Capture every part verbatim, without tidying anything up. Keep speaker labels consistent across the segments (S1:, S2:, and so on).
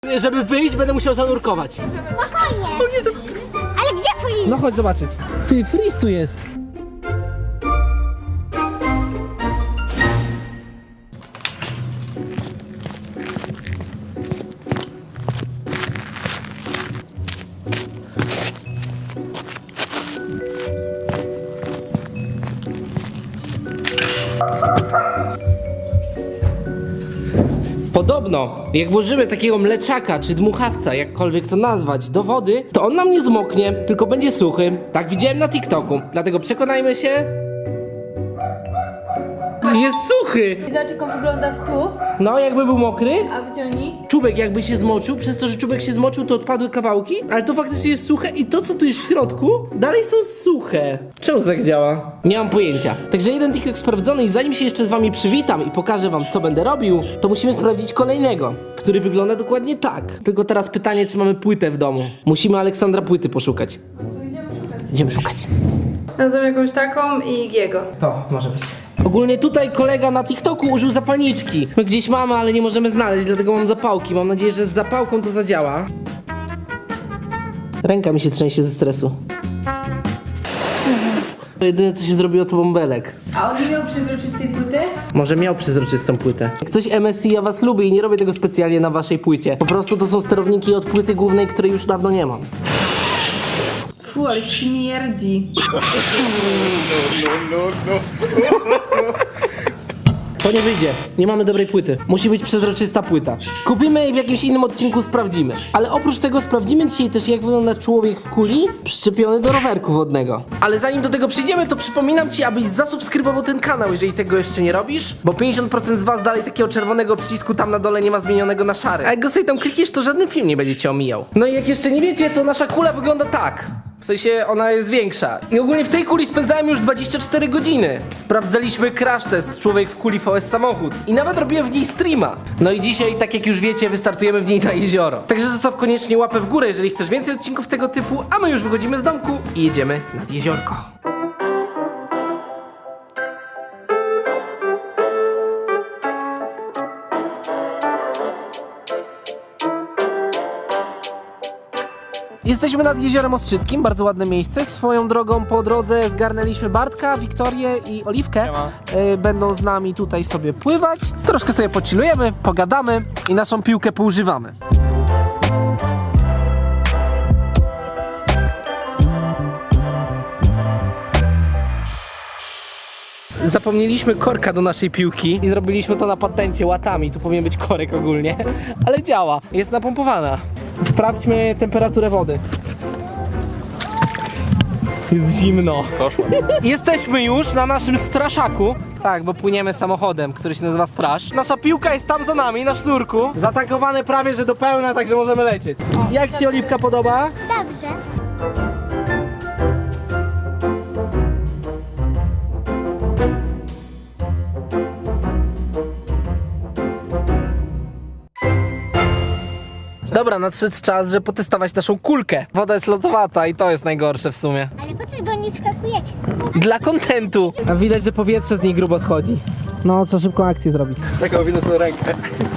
S1: Żeby wyjść, będę musiał zanurkować.
S2: Spokojnie. Ale gdzie freeze?
S1: No chodź zobaczyć. Ty, freeze tu jest. Podobno, jak włożymy takiego mleczaka czy dmuchawca, jakkolwiek to nazwać, do wody, to on nam nie zmoknie, tylko będzie suchy. Tak widziałem na TikToku, dlatego przekonajmy się. Jest suchy!
S3: I zobacz, jak on wygląda w tu,
S1: No, jakby był mokry.
S3: a wyciągnij.
S1: Czubek jakby się zmoczył, przez to, że czubek się zmoczył, to odpadły kawałki, ale to faktycznie jest suche i to, co tu jest w środku, dalej są suche. Czemu to tak działa? Nie mam pojęcia. Także jeden TikTok sprawdzony i zanim się jeszcze z wami przywitam i pokażę wam, co będę robił, to musimy sprawdzić kolejnego, który wygląda dokładnie tak. Tylko teraz pytanie, czy mamy płytę w domu. Musimy Aleksandra płyty poszukać.
S3: To idziemy szukać.
S1: Idziemy szukać.
S3: Nazwę jakąś taką i Giego.
S1: To może być. Ogólnie tutaj kolega na TikToku użył zapalniczki. My gdzieś mamy, ale nie możemy znaleźć, dlatego mam zapałki. Mam nadzieję, że z zapałką to zadziała. Ręka mi się trzęsie ze stresu. To jedyne, co się zrobiło, to bąbelek.
S3: A on nie miał przezroczystej płyty?
S1: Może miał przezroczystą płytę. Jak coś M S I, ja was lubię i nie robię tego specjalnie na waszej płycie. Po prostu to są sterowniki od płyty głównej, której już dawno nie mam.
S3: Fu, ale śmierdzi.
S1: To nie wyjdzie. Nie mamy dobrej płyty. Musi być przezroczysta płyta. Kupimy i w jakimś innym odcinku sprawdzimy. Ale oprócz tego sprawdzimy dzisiaj też, jak wygląda człowiek w kuli przyczepiony do rowerku wodnego. Ale zanim do tego przyjdziemy, to przypominam ci, abyś zasubskrybował ten kanał, jeżeli tego jeszcze nie robisz, bo pięćdziesiąt procent z was dalej takiego czerwonego przycisku tam na dole nie ma zmienionego na szary. A jak go sobie tam klikniesz, to żaden film nie będzie cię omijał. No i jak jeszcze nie wiecie, to nasza kula wygląda tak. W sensie ona jest większa. I ogólnie w tej kuli spędzałem już dwadzieścia cztery godziny. Sprawdzaliśmy crash test człowiek w kuli V S samochód. I nawet robiłem w niej streama. No i dzisiaj, tak jak już wiecie, wystartujemy w niej na jezioro. Także zostaw koniecznie łapę w górę, jeżeli chcesz więcej odcinków tego typu, a my już wychodzimy z domku i jedziemy nad jeziorko. Jesteśmy nad Jeziorem Ostrzyckim, bardzo ładne miejsce. Swoją drogą po drodze zgarnęliśmy Bartka, Wiktorię i Oliwkę. Yy, będą z nami tutaj sobie pływać. Troszkę sobie pochillujemy, pogadamy i naszą piłkę poużywamy. Zapomnieliśmy korka do naszej piłki i zrobiliśmy to na patencie łatami. Tu powinien być korek ogólnie, ale działa. Jest napompowana. Sprawdźmy temperaturę wody. Jest zimno. Koszmar. Jesteśmy już na naszym straszaku. Tak, bo płyniemy samochodem, który się nazywa Straż. Nasza piłka jest tam za nami, na sznurku. Zatankowane prawie, że do pełna, także możemy lecieć. Jak ci Oliwka podoba?
S2: Dobrze.
S1: Dobra, nadszedł czas, żeby potestować naszą kulkę. Woda jest lodowata i to jest najgorsze w sumie.
S2: Ale po co do niej wskakujecie?
S1: Dla kontentu. A widać, że powietrze z niej grubo schodzi. No, trzeba szybką akcję zrobić.
S4: Taką winę sobie rękę.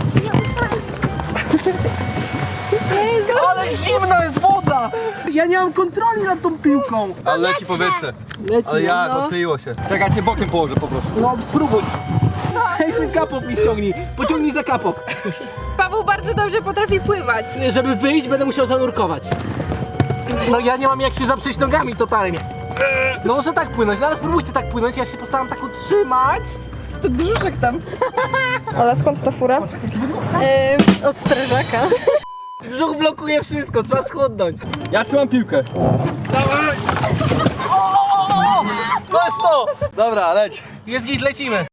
S1: Ale zimna jest woda! Ja nie mam kontroli nad tą piłką.
S4: Ale leci powietrze.
S1: Leci,
S4: Ale jak
S1: no.
S4: odkleiło się. Czekaj, ja cię bokiem położę po prostu.
S1: No, spróbuj. Weź ten kapok mi ściągnij. Pociągnij za kapok.
S3: Paweł bardzo dobrze potrafi pływać.
S1: Żeby wyjść, będę musiał zanurkować. No ja nie mam jak się zaprzeć nogami totalnie. No może tak płynąć, no ale spróbujcie tak płynąć, ja się postaram tak utrzymać.
S3: To brzuszek tam. Ola, skąd ta fura? Yy, od strażaka.
S1: Brzuch blokuje wszystko, trzeba schudnąć.
S4: Ja trzymam piłkę.
S1: Dawaj! O, o, o, o! To jest to!
S4: Dobra, leć.
S1: Jest git, lecimy.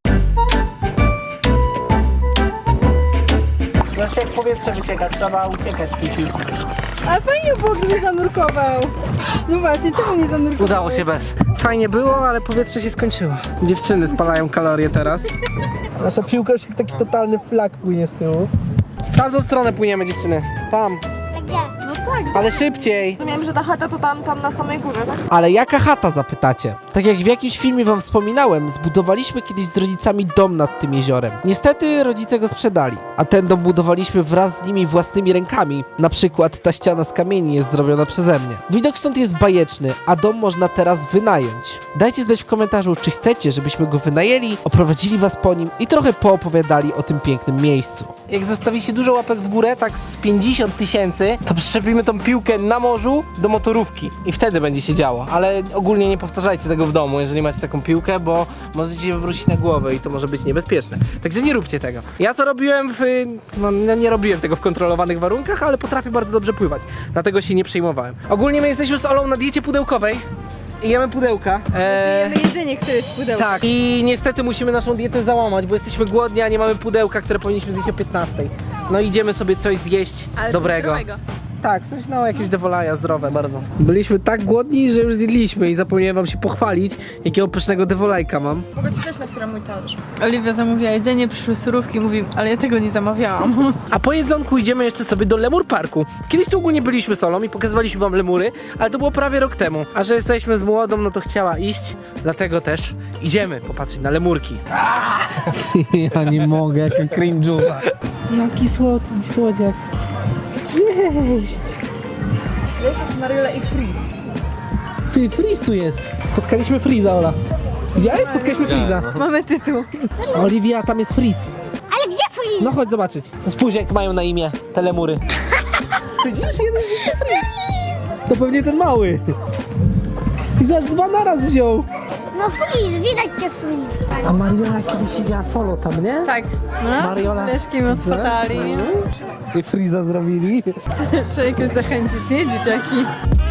S1: Znaczy jak powietrze wycieka, trzeba uciekać z tej piłki.
S3: Ale fajnie było, gdyby zanurkował. No właśnie, czemu nie zanurkował?
S1: Udało się bez. Fajnie było, ale powietrze się skończyło. Dziewczyny spalają kalorie teraz. Nasza piłka już jak taki totalny flag płynie z tyłu. W tamtą stronę płyniemy, dziewczyny. Tam.
S2: Tak gdzie?
S3: No tak.
S1: Ale szybciej.
S3: Rozumiem, że ta chata to tam, tam na samej górze, tak?
S1: Ale jaka chata, zapytacie? Tak jak w jakimś filmie wam wspominałem, zbudowaliśmy kiedyś z rodzicami dom nad tym jeziorem. Niestety rodzice go sprzedali, a ten dom budowaliśmy wraz z nimi własnymi rękami. Na przykład ta ściana z kamieni jest zrobiona przeze mnie. Widok stąd jest bajeczny, a dom można teraz wynająć. Dajcie znać w komentarzu, czy chcecie, żebyśmy go wynajęli, oprowadzili was po nim i trochę poopowiadali o tym pięknym miejscu. Jak zostawicie dużo łapek w górę, tak z pięćdziesiąt tysięcy, to przyczepimy tą piłkę na morzu do motorówki i wtedy będzie się działo. Ale ogólnie nie powtarzajcie tego w domu, jeżeli macie taką piłkę, bo możecie się wywrócić na głowę i to może być niebezpieczne. Także nie róbcie tego. Ja to robiłem w... no nie nie robiłem tego w kontrolowanych warunkach, ale potrafię bardzo dobrze pływać. Dlatego się nie przejmowałem. Ogólnie my jesteśmy z Olą na diecie pudełkowej i jemy pudełka. Eee...
S3: Jemy jedzenie, które jest w pudełku.
S1: Tak, i niestety musimy naszą dietę załamać, bo jesteśmy głodni, a nie mamy pudełka, które powinniśmy zjeść o piętnastej. No idziemy sobie coś zjeść
S3: Ale
S1: dobrego.
S3: zdrowego.
S1: Tak, coś no, jakieś dewolaja zdrowe bardzo. Byliśmy tak głodni, że już zjedliśmy i zapomniałem wam się pochwalić, jakiego pysznego dewolajka mam.
S3: Mogę ci też na chwilę mój talerz.
S5: Oliwia zamówiła jedzenie, przyszły surówki, mówi, ale ja tego nie zamawiałam.
S1: A po jedzonku idziemy jeszcze sobie do Lemur Parku. Kiedyś tu ogólnie byliśmy solą i pokazywaliśmy wam lemury, ale to było prawie rok temu. A że jesteśmy z młodą, no to chciała iść, dlatego też idziemy popatrzeć na lemurki. Ja nie mogę, jaka cringe'uwa. Jaki słodki słodziak. Cześć!
S3: Wiesz, Mariola i Free.
S1: Ty, Freeze tu jest. Spotkaliśmy Freeza, Ola. Widziałeś? Spotkaliśmy Freeza.
S3: Mamy tytuł.
S1: Oliwia, tam jest Freeze.
S2: Ale gdzie Freeze?
S1: No chodź zobaczyć. Spójrz jak mają na imię te lemury. Widzisz? Jeden Freeze. To pewnie ten mały. I zaś dwa naraz wziął.
S2: No Freeze, widać cię Freeze.
S1: A Mariola kiedyś siedziała solo tam, nie?
S3: Tak. No,
S1: Mariola.
S3: z Leszkiem ją spotali.
S1: I Freeza zrobili.
S3: Trzeba jakoś zachęcić, nie, dzieciaki?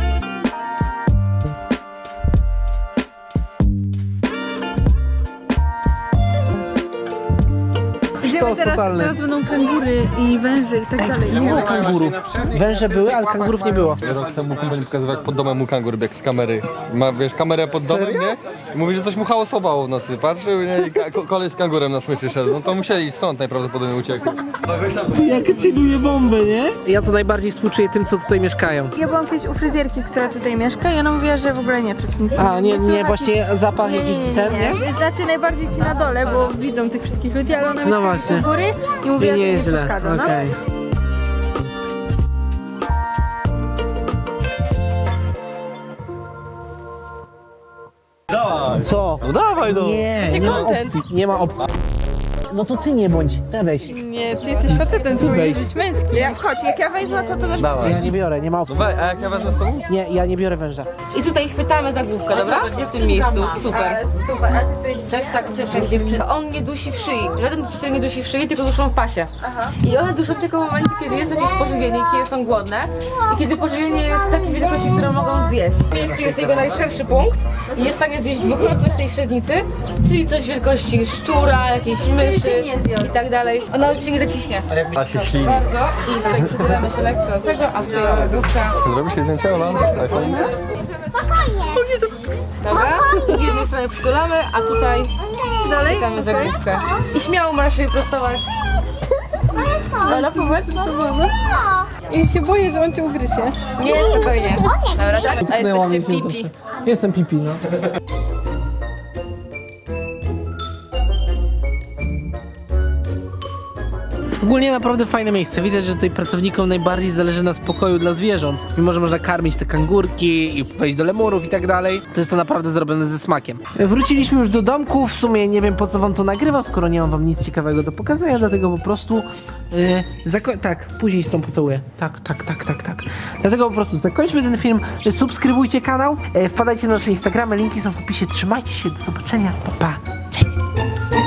S3: Idziemy
S1: Sztos
S3: teraz,
S1: totalny.
S3: teraz będą kangury i węże i tak dalej.
S1: Nie było kangurów. Węże były, ale kangurów nie było.
S4: Rok temu kumpel mi pokazywał, jak pod domem mu kangur biegł z kamery. Ma, wiesz, kamerę pod domem, nie? I mówi, że coś mu hałasowało w nocy. Patrzył, nie? I ka- ko- kolej z kangurem na smyczy szedł. No to musieli stąd najprawdopodobniej uciekli.
S1: Jak chilluje bombę, nie? Ja co najbardziej współczuję tym, co tutaj mieszkają.
S3: Ja byłam kiedyś u fryzjerki, która tutaj mieszka i ona mówiła, że w ogóle nie czuć nic.
S1: A, nie, nie,
S3: słychać
S1: właśnie zapach
S3: Nie,
S1: jakiś
S3: nie, nie,
S1: ten,
S3: nie,
S1: nie?
S3: nie. Znaczy najbardziej ci na dole, bo widzą tych wszystkich ludzi, ale ona
S1: No
S3: mieszka
S1: właśnie.
S3: u góry i mówiła,
S1: I
S3: że
S1: nie
S3: nie
S1: jest źle,
S3: przeszkadza, no.
S1: okej. Co?
S4: No dawaj no!
S1: Nie, nie ma
S3: content.
S1: opcji, nie ma opcji. No to ty nie bądź, ja weź.
S3: Nie, ty jesteś facetem, ty
S1: wejdź.
S3: powinieneś być męski. Ja, chodź, jak ja wejdę, to to też...
S4: Dawaj.
S1: Ja nie biorę, nie ma
S4: No
S1: opcji.
S4: weź, a jak ja wezmę z tobą?
S1: Nie, ja nie biorę węża.
S5: I tutaj chwytamy za główkę, dobra? W tym miejscu, super.
S3: Super, a ty sobie
S5: Też tak chcesz jak dziewczyna. On nie dusi w szyi, żaden dusziciel nie dusi w szyi, tylko duszą w pasie. I one duszą tylko w momencie, kiedy jest jakieś pożywienie, kiedy są głodne i kiedy pożywienie jest takiej wielkości, którą mogą zjeść. W miejscu jest jego najszerszy punkt i jest w stanie zjeść dwukrotność tej średnicy, czyli coś wielkości szczura, jakiejś myszy i tak dalej. On nawet się nie zaciśnie.
S4: A się ślini.
S5: Bardzo. I tutaj przytulamy się lekko do tego, a tutaj jest główka.
S4: Zrobi się zdjęcie, Ola? iPhone?
S2: Spokojnie.
S5: Dobra? I z jednej strony przytulamy, a tutaj
S3: dalej?
S5: chwytamy za główkę. I śmiało możesz się prostować.
S3: Ona popatrz, co było. I się boję, że on cię ugryzie.
S5: Nie, spokojnie. Dobra, tak? A jesteście pipi.
S1: Jestem pipi, no. Ogólnie naprawdę fajne miejsce. Widać, że tutaj pracownikom najbardziej zależy na spokoju dla zwierząt. Mimo, że można karmić te kangurki i wejść do lemurów i tak dalej, to jest to naprawdę zrobione ze smakiem. Wróciliśmy już do domku. W sumie nie wiem, po co wam to nagrywam, skoro nie mam wam nic ciekawego do pokazania, dlatego po prostu yy, zako- tak, później z tą pocałuję. Tak, tak, tak, tak, tak. Dlatego po prostu zakończmy ten film. Subskrybujcie kanał, yy, wpadajcie na nasze Instagramy, linki są w opisie. Trzymajcie się, do zobaczenia. Pa, pa. Cześć.